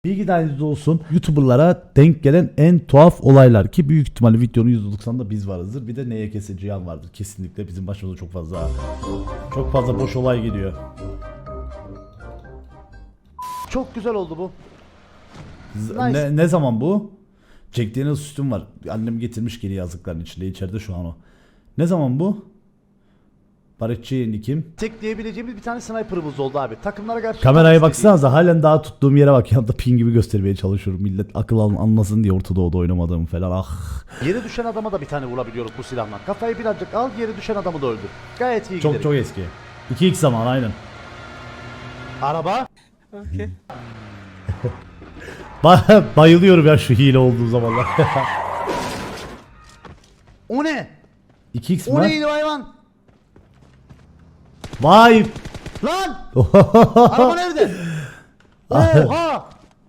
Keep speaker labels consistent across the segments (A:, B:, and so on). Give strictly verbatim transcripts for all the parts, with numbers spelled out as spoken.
A: Bilgi dahilinizde olsun, YouTuber'lara denk gelen en tuhaf olaylar ki büyük ihtimalle videonun yüzde doksanında biz varızdır. Bir de N Y K S Cihan vardır. Kesinlikle bizim başımıza çok fazla çok fazla boş olay geliyor. Çok güzel oldu bu. Nice. Ne, ne zaman bu? Jack Daniels sütüm var. Annem getirmiş geri yazlıkların içinde. İçeride şu an o. Ne zaman bu? Barışçı Nikim. Tek diyebileceğimiz bir tane sniper'ımız oldu abi. Takımlara karşı... Kameraya baksanıza halen daha tuttuğum yere bak. Yanında pin gibi göstermeye çalışıyorum. Millet akıl anlasın diye Orta Doğu'da oynamadığımı falan. Ah. Yere düşen adama da bir tane vurabiliyoruz bu silahla. Kafayı birazcık al, yere düşen adamı da öldür. Gayet iyi Çok gidelim. çok eski. iki x zaman aynen. Araba.
B: Okay.
A: Ba bayılıyorum ya şu hile olduğu zamanlar. O ne? iki x mi? O neydi hayvan? Vay! Lan! Araba nerede? Oha!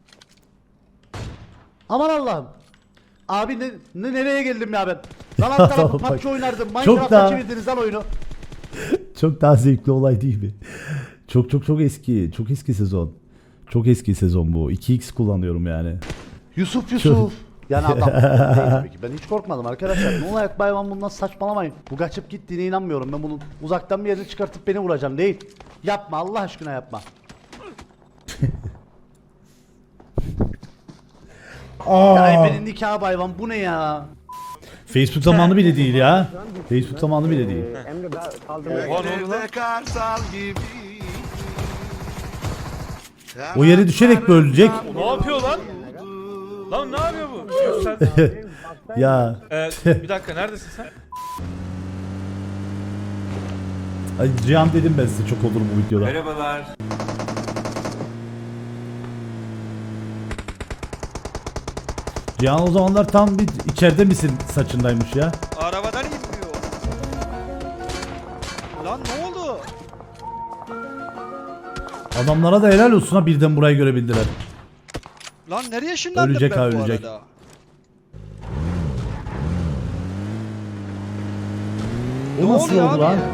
A: Aman Allah'ım. Abi ne, ne nereye geldim ya ben? Lan alt tarafı P U B G oynardım. Minecraft'ta daha... çevirdiniz lan oyunu. Çok daha zevkli olay değil mi? Çok çok çok eski. Çok eski sezon. Çok eski sezon bu. iki x kullanıyorum yani. Yusuf Yusuf. Çok... Yani adam değil tabii ki. Ben hiç korkmadım arkadaşlar. Ne olarak bayvan bundan saçmalamayın. Bu kaçıp gittiğine inanmıyorum. Ben bunu uzaktan bir yerini çıkartıp beni vuracağım değil. Yapma Allah aşkına yapma. Ya benim nikah bayvan bu ne ya? Facebook zamanı bile değil ya. Facebook zamanı bile değil. O yere düşerek mi ölecek?
B: Ne yapıyor lan? Lan ne yapıyor bu?
A: Ya.
B: Ee, bir dakika neredesin sen?
A: Ay Cihan dedim ben size çok olur bu videoda.
C: Merhabalar.
A: Cihan o zamanlar tam bir içeride misin saçındaymış ya.
D: Arabadan inmiyor. Lan ne oldu?
A: Adamlara da helal olsun ha birden burayı görebildiler.
D: Lan nereye ışınlandım
A: Ölecek
D: ben
A: ha,
D: bu
A: ölecek.
D: arada?
A: O
D: Ne
A: nasıl
D: oluyor
A: oldu
D: abi?
A: lan?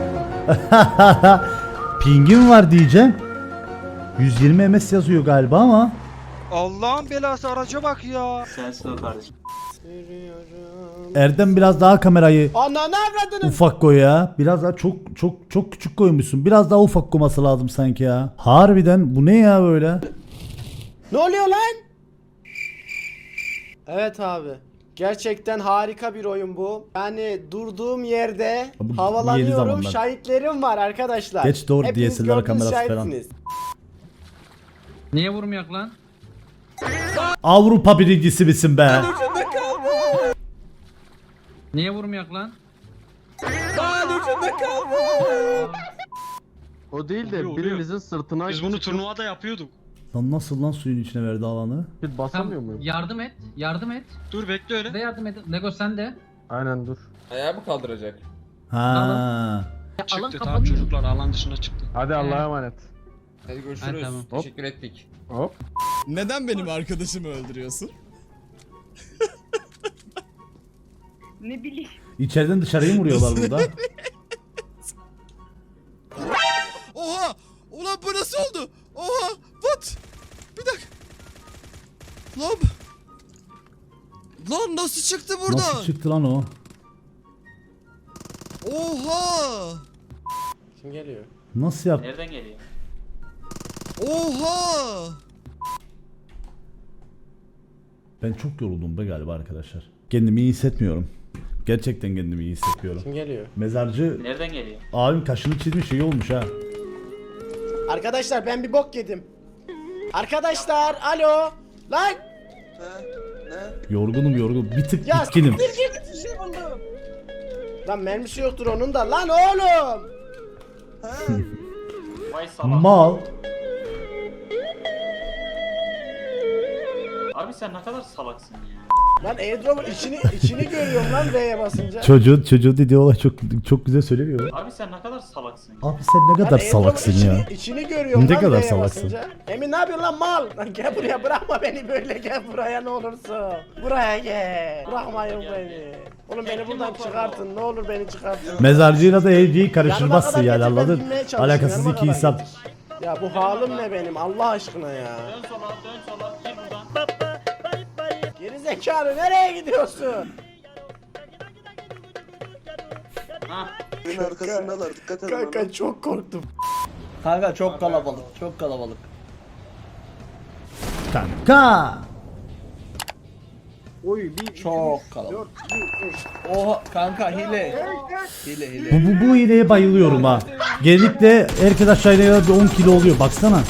A: Pingim var diyeceğim. yüz yirmi ms yazıyor galiba ama.
D: Allah'ın belası araca bak ya.
C: Sensin o kardeşim.
A: Erdem biraz daha kamerayı
D: Ananı avradını.
A: ufak koy ya. Biraz daha çok çok çok küçük koymuşsun. Biraz daha ufak koyması lazım sanki ya. Harbiden bu ne ya böyle?
E: Ne oluyor lan? Evet abi. Gerçekten harika bir oyun bu. Yani durduğum yerde
A: Bu yeni
E: havalanıyorum.
A: zamanlar.
E: Şahitlerim var arkadaşlar.
A: Geç doğru
E: Hepiniz
A: D S L R
E: gördünüz,
A: kamerası falan.
E: şahitsiniz.
F: Niye vurmayak lan?
A: Avrupa birincisi misin be?
F: Niye vurmayak lan?
G: O değil de birimizin sırtına...
H: Biz bunu turnuvada yapıyorduk.
A: Lan nasıl lan suyun içine verdi alanı?
G: Bir basamıyor muyum?
F: Yardım et, yardım et.
H: Dur bekle öyle.
F: De yardım et. Lego sen de.
G: Aynen dur.
C: Ayağı mı kaldıracak?
A: Ha.
F: Ya, alan
H: Çıktı tamam
F: kapanıyor.
H: çocuklar alan dışına çıktı.
G: Hadi Allah'a emanet.
C: Hadi görüşürüz.
F: Ha, tamam.
C: Teşekkür ettik.
G: Hop.
I: Neden benim arkadaşımı öldürüyorsun?
J: Ne bileyim.
A: İçeriden dışarıya mı vuruyorlar burada?
I: Oha! Ulan bu nasıl oldu? Oha! What? Bir dakika. Lan. Lan nasıl çıktı buradan?
A: Nasıl çıktı lan o?
I: Oha!
E: Kim geliyor?
A: Nasıl yaptı?
C: Nereden geliyor?
I: Oha!
A: Ben çok yoruldum be galiba arkadaşlar. Kendimi iyi hissetmiyorum. Gerçekten kendimi iyi hissetmiyorum.
E: Kim geliyor?
A: Mezarcı
C: Nereden geliyor?
A: abim kaşını çizmiş iyi olmuş ha.
E: Arkadaşlar ben bir bok yedim. Arkadaşlar alo. Lan.
A: Yorgunum yorgun. Bir tık
E: Ya
A: bitkinim.
E: siktir git, bir şey buldum. Lan mermisi yoktur onun da. Lan oğlum.
C: Vay salak.
A: Mal.
C: Abi sen ne kadar salaksın ya.
E: Lan airdrop'un içini içini görüyorum lan V'ye basınca.
A: Çocuğun çocuğu dediği olay çok çok güzel söylemiyor mu?
C: Abi sen ne kadar salaksın ya.
A: Abi sen ne kadar
E: Lan airdrop'un
A: salaksın
E: içini,
A: ya.
E: İçini görüyorum
A: Ne
E: lan
A: kadar
E: V'ye
A: salaksın.
E: basınca. Emin ne yapıyorsun lan mal? Lan gel buraya bırakma beni böyle gel buraya ne olursun. Buraya gel. Bırakmayın beni. Oğlum beni buradan çıkartın ne olur beni çıkartın.
A: Mezarcıyla da evciyi karıştırmazsın
E: Yanıma
A: yani
E: kadar getir, ben
A: anladın?
E: binmeye çalışıyorum,
A: Alakasız
E: yanıma
A: iki
E: kadar
A: insan.
E: getir. Ya bu halim ne benim Allah aşkına ya.
C: Dön sola dön sola gir buradan.
E: zekalı nereye gidiyorsun?
C: Benim arkasındalar dikkat edin.
E: Kanka çok korktum.
C: Kanka çok kalabalık çok kalabalık.
A: Kanka.
C: Çok kalabalık. Oha kanka hile. Hile hile.
A: Bu, bu, bu hileye bayılıyorum ha. Genellikle herkes aşağı iniyor bir on kilo oluyor baksana.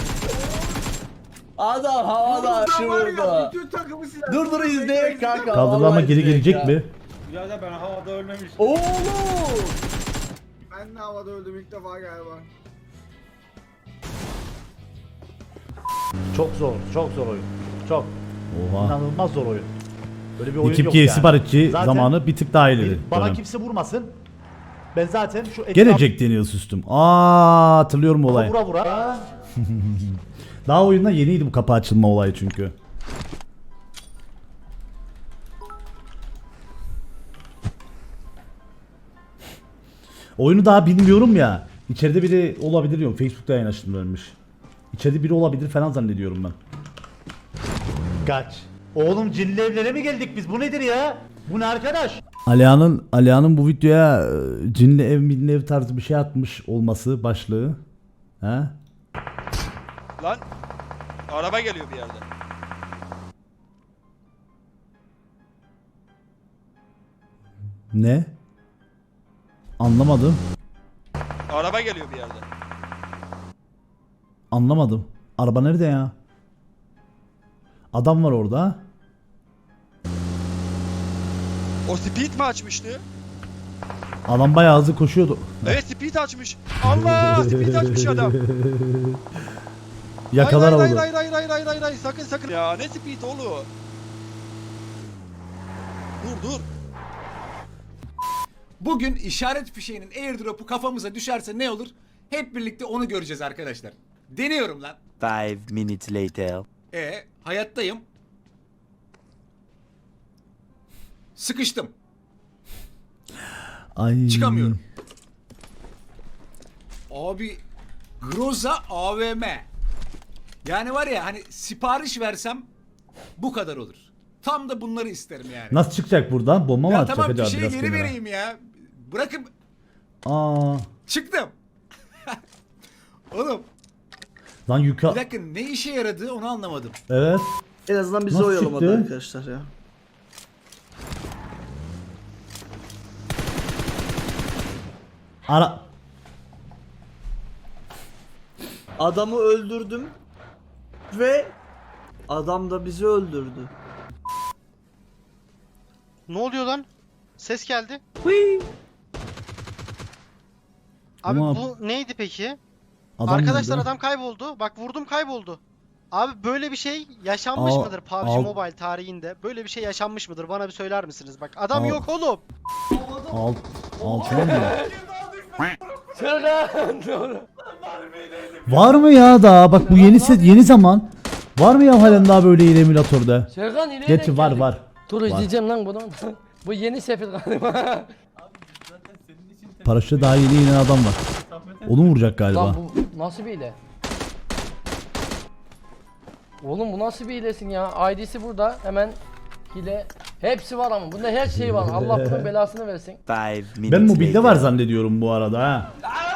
C: Adam havada şurada. Dur dur izle kanka.
A: Kaldırdı ama geri gelecek mi?
B: Ya ben havada ölmemiştim.
C: Oğlum.
D: Ben de havada öldüm ilk defa galiba.
E: Çok zor, çok zor oyun. Çok.
A: Oha.
E: İnanılmaz zor oyun. Böyle bir oyun
A: Ekip
E: yok
A: G
E: yani.
A: siparişçi
E: Zaten
A: zamanı bir tık daha ileri.
E: Bana
A: dönem.
E: kimse vurmasın. Ben zaten şu etraf-
A: Gelecek deniyor sustum. Aa hatırlıyorum bu olayı.
E: vura vura.
A: Daha oyunda yeniydi bu kapı açılma olayı çünkü. Oyunu daha bilmiyorum ya. İçeride biri olabilir diyorum. Facebook'ta yayın açtım ölmüş. İçeride biri olabilir falan zannediyorum ben.
E: Kaç. Oğlum cinli evlere mi geldik biz? Bu nedir ya? Bu ne arkadaş?
A: Alihan'ın Alihan'ın bu videoya e, cinli ev minli ev tarzı bir şey atmış olması başlığı. He?
D: Lan araba geliyor bir yerden.
A: Ne? Anlamadım.
D: Araba geliyor bir yerden.
A: Anlamadım. Araba nerede ya? Adam var orada.
D: O speed mi açmıştı?
A: Adam bayağı hızlı koşuyordu.
D: Evet speed açmış. Allah speed açmış adam.
A: Yakalar
D: hayır, hayır,
A: oldu.
D: hayır hayır hayır hayır hayır hayır sakın sakın. Ya ne speed oğlum? Dur dur.
K: Bugün işaret fişeğinin airdrop'u kafamıza düşerse ne olur? Hep birlikte onu göreceğiz arkadaşlar. Deniyorum lan.
C: Five minutes later.
K: E hayattayım. Sıkıştım.
A: Ay.
K: Çıkamıyorum. Abi Groza A V M. Yani var ya hani sipariş versem bu kadar olur. Tam da bunları isterim yani.
A: Nasıl çıkacak buradan? Bomba mı
K: Ya
A: atacak
K: tamam
A: acaba
K: fişeği
A: biraz
K: geri
A: kenara?
K: vereyim ya. Bırakın
A: Aa.
K: çıktım. Oğlum
A: Lan yuka.
K: bir dakika ne işe yaradı onu anlamadım.
A: Evet.
C: En azından bizi
A: Nasıl
C: oyalamadı
A: çıktı?
C: arkadaşlar ya.
A: Ara.
C: Adamı öldürdüm ve adam da bizi öldürdü.
D: Ne oluyor lan? Ses geldi.
A: Abi Ama bu
D: neydi peki?
A: adam nerede?
D: adam kayboldu. Bak vurdum kayboldu. Abi böyle bir şey yaşanmış
A: Al-
D: mıdır P U B G
A: al-
D: Mobile tarihinde? Böyle bir şey yaşanmış mıdır? Bana bir söyler misiniz? Bak adam
A: Al-
D: yok oğlum.
A: Alt, altına mı? Var mı ya daha? Bak bu yeni set yeni zaman. Var mı ya halen daha böyle yeni emülatörde?
F: Serkan yine
A: Gerçi var var.
F: Dur izleyeceğim lan bunu. Bu yeni sefil galiba.
A: Paraşütte daha yeni inen adam var. Onu vuracak galiba.
F: Lan bu nasıl bir hile? Oğlum bu nasıl bir hilesin ya? I D'si burada hemen hile. Hepsi var ama bunda her şey var. Allah bunun belasını versin.
C: Five minutes
A: Ben mobilde var zannediyorum bu arada ha.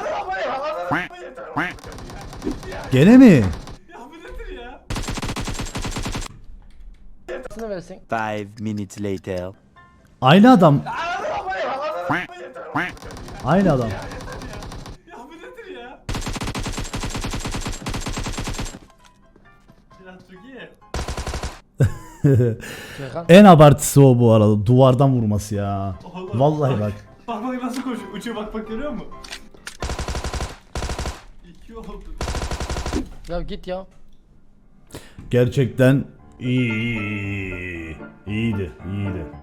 A: Gene mi?
F: Belasını versin.
C: Five minutes later.
A: Aynı adam. Aynı adam.
F: Serkan.
A: En abartısı o bu arada. Duvardan vurması ya. Vallahi bak.
B: Bak bak nasıl koşuyor. Uçuyor bak bak görüyor musun? İki oldu.
F: Ya git ya.
A: Gerçekten iyi, iyi, iyi. İyiydi, iyiydi.